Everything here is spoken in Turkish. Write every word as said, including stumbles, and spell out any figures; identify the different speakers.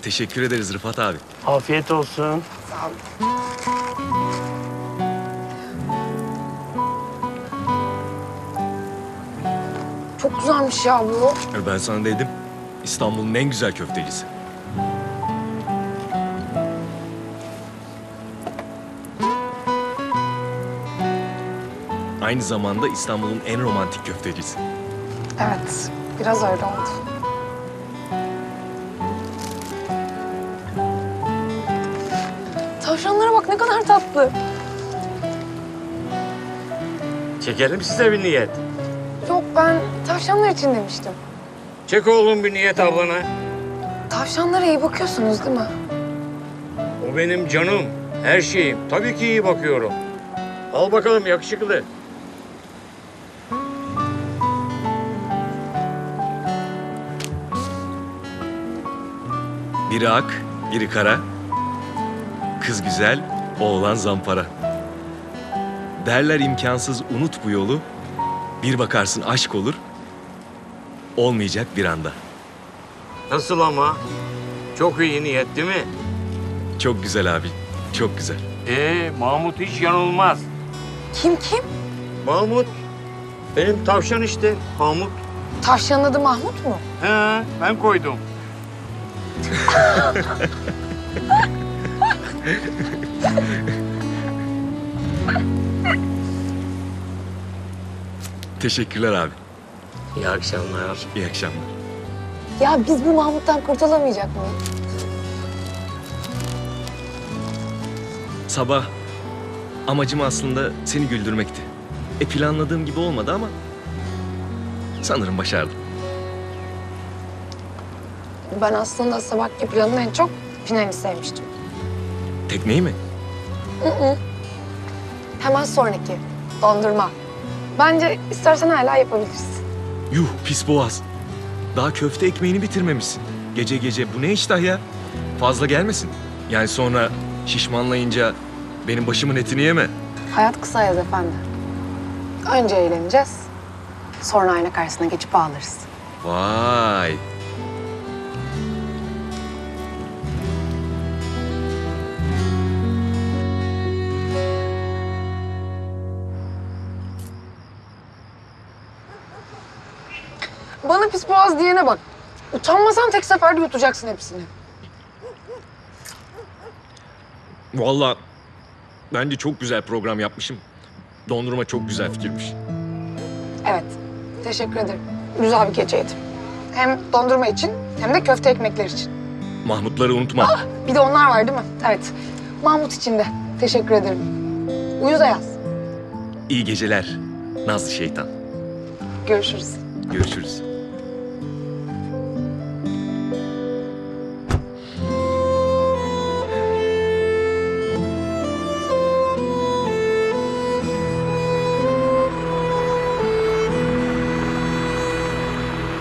Speaker 1: Teşekkür ederiz Rıfat abi.
Speaker 2: Afiyet olsun.
Speaker 3: Sağ ol. Çok güzelmiş ya bu.
Speaker 1: Ben sana dedim. İstanbul'un en güzel köftecisi. Aynı zamanda İstanbul'un en romantik köftecisi.
Speaker 3: Evet, biraz öyle oldu. Tavşanlara bak ne kadar tatlı.
Speaker 2: Çekelim size bir niyet.
Speaker 3: Yok ben tavşanlar için demiştim.
Speaker 2: Çek oğlum bir niyet ablana.
Speaker 3: Tavşanlara iyi bakıyorsunuz değil mi?
Speaker 2: O benim canım, her şeyim. Tabii ki iyi bakıyorum. Al bakalım yakışıklı.
Speaker 1: Biri ak, biri kara. Kız güzel, oğlan zampara. Derler imkansız unut bu yolu. Bir bakarsın aşk olur. Olmayacak bir anda.
Speaker 2: Nasıl ama? Çok iyi niyet değil mi?
Speaker 1: Çok güzel abi, çok güzel.
Speaker 2: Ee, Mahmut hiç yanılmaz.
Speaker 3: Kim kim?
Speaker 2: Mahmut, benim tavşan işte, Mahmut.
Speaker 3: Tavşanın adı Mahmut mu?
Speaker 2: He, ben koydum.
Speaker 1: Teşekkürler abi.
Speaker 2: İyi akşamlar.
Speaker 1: İyi akşamlar.
Speaker 3: Ya biz bu Mahmut'tan kurtulamayacak mıyız?
Speaker 1: Sabah amacım aslında seni güldürmekti. E planladığım gibi olmadı ama sanırım başardım.
Speaker 3: Ben aslında sabahki planın en çok finalini sevmiştim.
Speaker 1: Tekneyi mi?
Speaker 3: Hı hı. Hemen sonraki dondurma. Bence istersen hala yapabilirsin.
Speaker 1: Yuh pis boğaz. Daha köfte ekmeğini bitirmemişsin. Gece gece bu ne iştah ya? Fazla gelmesin. Yani sonra şişmanlayınca benim başımın etini yeme.
Speaker 3: Hayat kısa yaz efendi. Önce eğleneceğiz. Sonra ayna karşısına geçip ağlarız.
Speaker 1: Vay.
Speaker 3: Bana pis boğaz diyene bak. Utanmasan tek seferde yutacaksın hepsini.
Speaker 1: Vallahi bence çok güzel program yapmışım. Dondurma çok güzel fikirmiş.
Speaker 3: Evet, teşekkür ederim. Güzel bir geceydi. Hem dondurma için hem de köfte ekmekler için.
Speaker 1: Mahmutları unutma.
Speaker 3: Bir de onlar var değil mi? Evet. Mahmut için de teşekkür ederim. Uyuz Ayaz.
Speaker 1: İyi geceler Nazlı şeytan.
Speaker 3: Görüşürüz.
Speaker 1: Görüşürüz.